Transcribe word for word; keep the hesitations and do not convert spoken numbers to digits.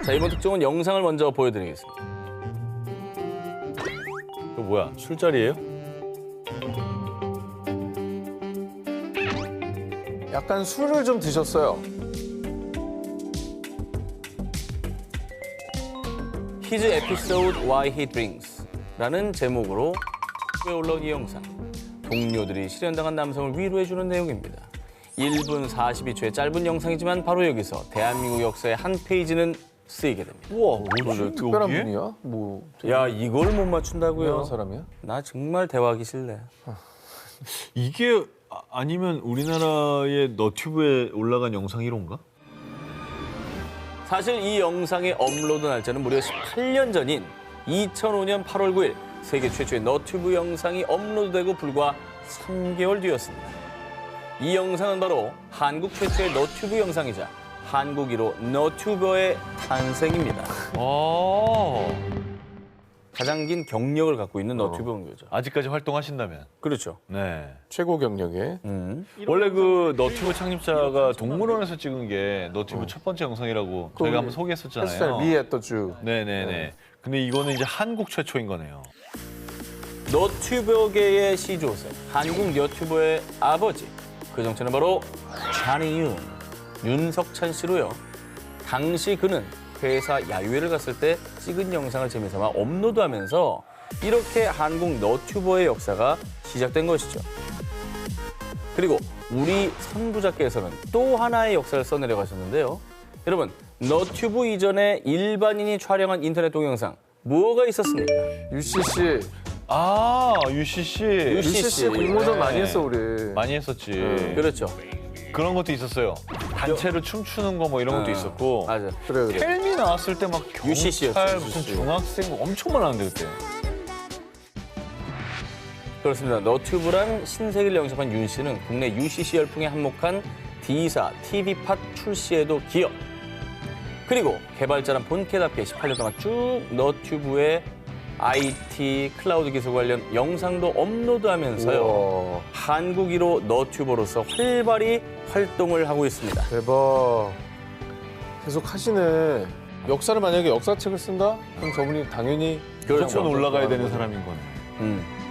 자, 이번 특종은 영상을 먼저 보여드리겠습니다. 이거 뭐야? 술자리예요? 약간 술을 좀 드셨어요. His episode Why He Drinks 라는 제목으로 에 올라온 이 영상. 동료들이 실현당한 남성을 위로해주는 내용입니다. 일 분 사십이 초의 짧은 영상이지만 바로 여기서 대한민국 역사의 한 페이지는 쓰이게 됩니다. 우와, 오늘 특별한 분이야? 뭐 야, 이걸 못 맞춘다고요? 유명한 사람이야? 나 정말 대화하기 싫네. 이게 아- 아니면 우리나라의 너튜브에 올라간 영상 일 호인가? 사실 이 영상의 업로드 날짜는 무려 십팔 년 전인 이천오 년 팔월 구일 세계 최초의 너튜브 영상이 업로드되고 불과 삼 개월 뒤였습니다. 이 영상은 바로 한국 최초의 너튜브 영상이자 한국 일 호 너튜버의 탄생입니다. 아, 가장 긴 경력을 갖고 있는 너튜버죠. 아직까지 활동하신다면. 그렇죠. 네. 최고 경력에. 음. 원래 그 너튜브 창립자가 동물원에서 찍은 게 너튜브 첫 번째 영상이라고 저희가 한번 소개했었잖아요. 햇살 미에터 주. 네네네. 근데 이거는 이제 한국 최초인 거네요. 너튜버계의 시조세, 한국 너튜버의 아버지. 그 정체는 바로 찬이윤, 윤석찬 씨로요. 당시 그는 회사 야유회를 갔을 때 찍은 영상을 재미삼아 업로드하면서 이렇게 한국 너튜버의 역사가 시작된 것이죠. 그리고 우리 선부자께서는 또 하나의 역사를 써내려 가셨는데요. 여러분, 너튜브 이전에 일반인이 촬영한 인터넷 동영상 뭐가 있었습니까? 유씨씨. 아, 유씨씨. 유씨씨 공모전 네. 많이 했어 우리. 많이 했었지. 그렇죠. 그런 것도 있었어요. 단체로 춤추는 거 뭐 이런 것도 아, 있었고. 맞아. 그래 그래. 헬미 나왔을 때 막 유씨씨였죠, 경찰 무슨 유씨씨. 중학생 뭐 엄청 많았는데 그때. 그렇습니다. 너튜브란 신세계를 영접한 윤 씨는 국내 유씨씨 열풍에 한몫한 D사, 티비팟 출시에도 기여. 그리고 개발자란 본캐답게 십팔 년 동안 쭉 너튜브에 아이티, 클라우드 기술 관련 영상도 업로드하면서요. 우와, 한국 일 호 너튜버로서 활발히 활동을 하고 있습니다. 대박. 계속 하시네. 역사를 만약에 역사책을 쓴다? 그럼 저분이 당연히 그렇죠. 무조건 올라가야 되는 사람인 거네. 음.